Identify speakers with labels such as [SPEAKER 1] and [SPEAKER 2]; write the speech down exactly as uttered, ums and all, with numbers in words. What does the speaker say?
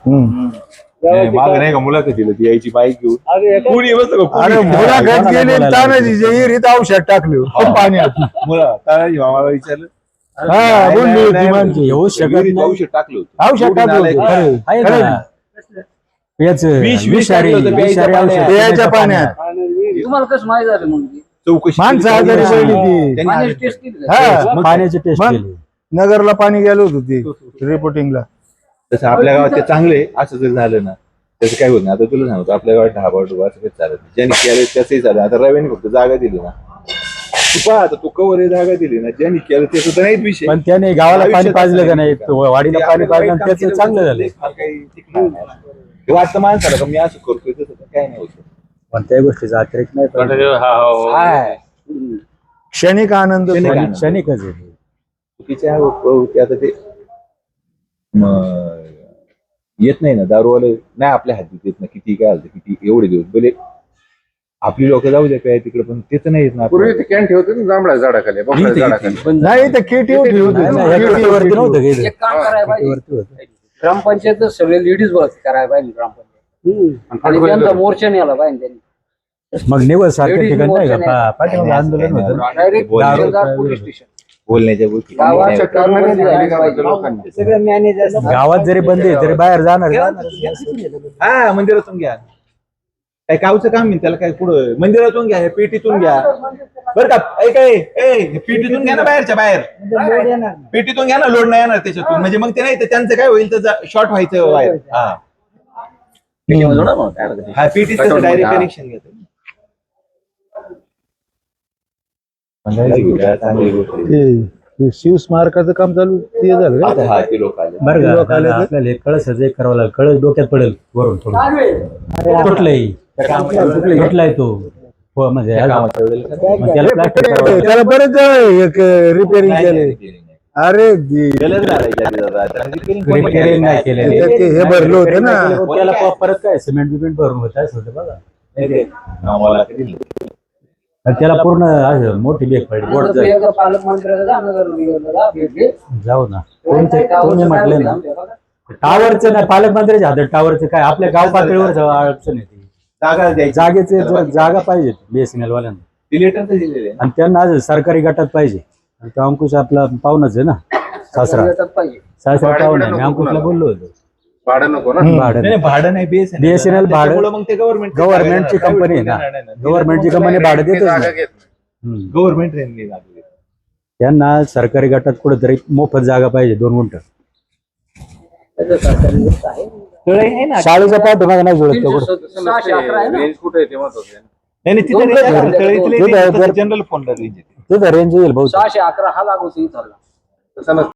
[SPEAKER 1] माग नाही का मुलाखतीला ती यायची बाईक घेऊन कुणी बसलं का
[SPEAKER 2] अरे मुलाखत गेली तानाजी विहिरीत औषध टाकलं पाण्यात
[SPEAKER 1] मुला तानाजी मामाला विचारलं
[SPEAKER 2] हा बोलली होती माणसं
[SPEAKER 3] येऊ शकत
[SPEAKER 1] विहिरीत
[SPEAKER 3] नाही.
[SPEAKER 1] औषध टाकलं होतं
[SPEAKER 2] औषध टाकलं होतं. खरं.
[SPEAKER 3] आहे
[SPEAKER 2] खरं.
[SPEAKER 3] का? याच
[SPEAKER 1] विष- विष
[SPEAKER 3] विषारी
[SPEAKER 1] टाकलं होतं प्यायच्या
[SPEAKER 3] विषारी
[SPEAKER 1] पाण्यात.
[SPEAKER 3] औषध
[SPEAKER 2] प्यायच्या पाण्यात
[SPEAKER 4] तुम्हाला कसं माहित झालं म्हणजे
[SPEAKER 1] चौकशी
[SPEAKER 2] माणसं आजारी
[SPEAKER 1] केली.
[SPEAKER 2] पडली ती
[SPEAKER 1] त्यांनी
[SPEAKER 4] पाण्याची
[SPEAKER 1] आजारी
[SPEAKER 4] टेस्ट केली का?
[SPEAKER 2] हा
[SPEAKER 3] मग पाण्याची टेस्ट
[SPEAKER 2] मग?
[SPEAKER 3] केली.
[SPEAKER 2] नगरला पाणी गेलं होतं ती रिपोर्टिंगला
[SPEAKER 1] तसं आपल्या गावात ते चांगले असं जर झालं ना त्याचं काय होत नाही. आता तुला सांगतो आपल्या गावात ढाबा डुबा असं काही चालत नाही. ज्यांनी केलं त्याचंही चालत. आता रव्याने फक्त जागा दिली ना तू पहा आता तू कवर जागा दिली ना ज्यांनी केलं ते सुद्धा नाहीच विषय
[SPEAKER 3] पण त्याने गावाला पाणी
[SPEAKER 1] आयुष्यात
[SPEAKER 3] पाजलं का नाही
[SPEAKER 1] असं
[SPEAKER 3] वाडीला
[SPEAKER 1] ते
[SPEAKER 3] पाणी
[SPEAKER 1] आपल्याला
[SPEAKER 3] पाजलं
[SPEAKER 1] वाईट काम
[SPEAKER 3] त्याचं
[SPEAKER 1] केलं
[SPEAKER 3] चांगलं
[SPEAKER 1] तर
[SPEAKER 3] झालं.
[SPEAKER 1] फार काही टिकणार नाही. हे वाटतं माणसाला का मी असं करतोय तसं तर काय नाही होत.
[SPEAKER 3] पण त्या गोष्टीचा अतिरेक नाही पाहिजे.
[SPEAKER 1] हाय.
[SPEAKER 2] क्षणिक आनंद
[SPEAKER 1] क्षणिक
[SPEAKER 3] क्षणिक-
[SPEAKER 1] आनंद.
[SPEAKER 3] क्षणिकच आहे.
[SPEAKER 1] चुकीच्या प्रवृत्ती आता ते म, येत नाही ना दारूवाले नाही आपल्या हातीत येत ना किती काय आलं किती एवढे दिवस भले आपली लोक जाऊ द्या काय तिकडे पण तेच नाही येत ना
[SPEAKER 5] पूर्वी ते कॅन्ट ठेवते ना जांभळा झाडाखाली बघा झाडाखाली
[SPEAKER 2] नाही तर केटी होती
[SPEAKER 3] नाही, नाही, ह्या केटीवरती नव्हतं काही.
[SPEAKER 4] एक काम करायला पाहिजे
[SPEAKER 3] केटीवरती होतं.
[SPEAKER 4] ग्रामपंचायत सगळे लेडीज भरती करायला पाहिजे ग्रामपंचायत आणि त्यांचा मोर्चा नेला पाहिजे त्यांनी
[SPEAKER 3] मग निवड सारख्या
[SPEAKER 4] Ladies
[SPEAKER 3] ठिकाणी नाही
[SPEAKER 4] मोर्चा
[SPEAKER 3] का पा- पाठीमागे आंदोलन होतं ना.
[SPEAKER 4] डायरेक्ट
[SPEAKER 1] बोलणे-
[SPEAKER 4] पोलीस स्टेशन
[SPEAKER 1] बोलण्याच्या गोष्टी
[SPEAKER 4] गावात
[SPEAKER 1] नाही होत.
[SPEAKER 4] कारवाई झाली पाहिजे. सगळं मॅनेजर
[SPEAKER 3] गावात जरी बंद आहे तरी बाहेर जाणार
[SPEAKER 1] हा मंदिरातून घ्या काय गावचं काम आहे त्याला काय पुढं मंदिरातून घ्या हे पेटीतून घ्या बरं का ऐक ए, ए, हे पेटीतून घ्या ना बाहेरच्या बाहेर पेटीतून घ्या ना लोड नाही येणार त्याच्यातून म्हणजे मग ते नाही तर त्यांचं काय होईल तर शॉर्ट व्हायचं बाहेर हा हा पेटी डायरेक्ट कनेक्शन घेतो चांगली गोष्ट आहे.
[SPEAKER 2] ते- ते शिव स्मारकाचं काम चालू ते झालं का?
[SPEAKER 1] आता हा ते लोक आले
[SPEAKER 3] बरं का
[SPEAKER 2] लोक आले तर?
[SPEAKER 3] आपल्याला एक कळस एक करावं लागेल कळस डोक्यात पडेल वरून थोडं तुटलंय तुटलाय तो हो म्हणजे
[SPEAKER 1] त्या
[SPEAKER 3] ह्याला-
[SPEAKER 1] कामाच्या वेळेला
[SPEAKER 3] मग त्याला प्लास्टिक करावं लागेल.
[SPEAKER 2] त्याला बरेच रिपेअरिंग
[SPEAKER 1] नाही,
[SPEAKER 2] केले
[SPEAKER 1] नाही, नाही, नाही.
[SPEAKER 2] अरे दे-
[SPEAKER 1] त्यालाच घालायचे आधी दादा. त्याला repairing कोणी
[SPEAKER 3] रिपेअरिंग
[SPEAKER 1] केलं?
[SPEAKER 3] नाही केलेली.
[SPEAKER 2] ते- ते हे भरलं होतं ना
[SPEAKER 3] त्याला प- परत काय सिमेंट बिमेंट भरून होत असं होतं बघा
[SPEAKER 1] नाही ते. आम्हाला कधी नाही.
[SPEAKER 3] आणि त्याला पूर्ण असं मोठी बेग पडली बोट जाईल.
[SPEAKER 4] पालकमंत्र्याला जा, नगरविभागाला जा, भेट घे.
[SPEAKER 3] जाऊ ना तुमचे तुम्ही म्हटले ना टावरचं नाही पालकमंत्र्याच्या हातात टावरचं काय आपल्या गाव पातळीवर जाऊ अडचण येते
[SPEAKER 1] जागा द्यायची.
[SPEAKER 3] जागेचे जर जागा पाहिजे बीएसएनएल वाल्यांना
[SPEAKER 1] ते letter तर दिलेलं आहे.
[SPEAKER 3] आणि त्यांना आज सरकारी गटात पाहिजे आणि तो अंकुश आपला पाहुणाच आहे ना सासरा
[SPEAKER 4] भेटत पाहिजे.
[SPEAKER 3] सासरा पाहुणा आहे. मी अंकुशला बोललो होतो
[SPEAKER 5] भाडं नको ना
[SPEAKER 3] भाडं
[SPEAKER 1] नाही, नाही, भाडं नाही बीएसएनएल
[SPEAKER 3] बीएसएनएल भाडं-
[SPEAKER 1] त्याच्यामुळं मग ते गव्हर्नमेंट
[SPEAKER 3] गव्हर्नमेंटची कंपनी आहे ना गव्हर्नमेंटची कंपनी भाडं देतच
[SPEAKER 5] जागा
[SPEAKER 3] नाही.
[SPEAKER 5] घेत
[SPEAKER 3] हम्म.
[SPEAKER 1] गव्हर्नमेंट रेंजने लागले
[SPEAKER 3] त्यांना सरकारी गटात कुठेतरी मोफत जागा पाहिजे दोन गुंठ
[SPEAKER 4] त्याचं सरकारी गोष्ट आहे.
[SPEAKER 1] आहे ना
[SPEAKER 3] शाळेचा पाठोमाग नाही जुळत तो कुठं.
[SPEAKER 4] तीनशे सहाशे अकरा आहे ना.
[SPEAKER 5] रेंज कुठे आहे ते महत्वाचं आहे.
[SPEAKER 1] नाही नाही, तिथे
[SPEAKER 4] दोन
[SPEAKER 1] रेंज आहे.
[SPEAKER 4] दोन
[SPEAKER 1] तळीतले
[SPEAKER 3] दोन
[SPEAKER 1] रेंज आहे,
[SPEAKER 3] दोन
[SPEAKER 1] जनरल फोनला रेंज आहे.
[SPEAKER 3] तिथं रेंज येईल भाऊ
[SPEAKER 4] सहाशे अकरा हा लागू चालला
[SPEAKER 5] तसं नसतं.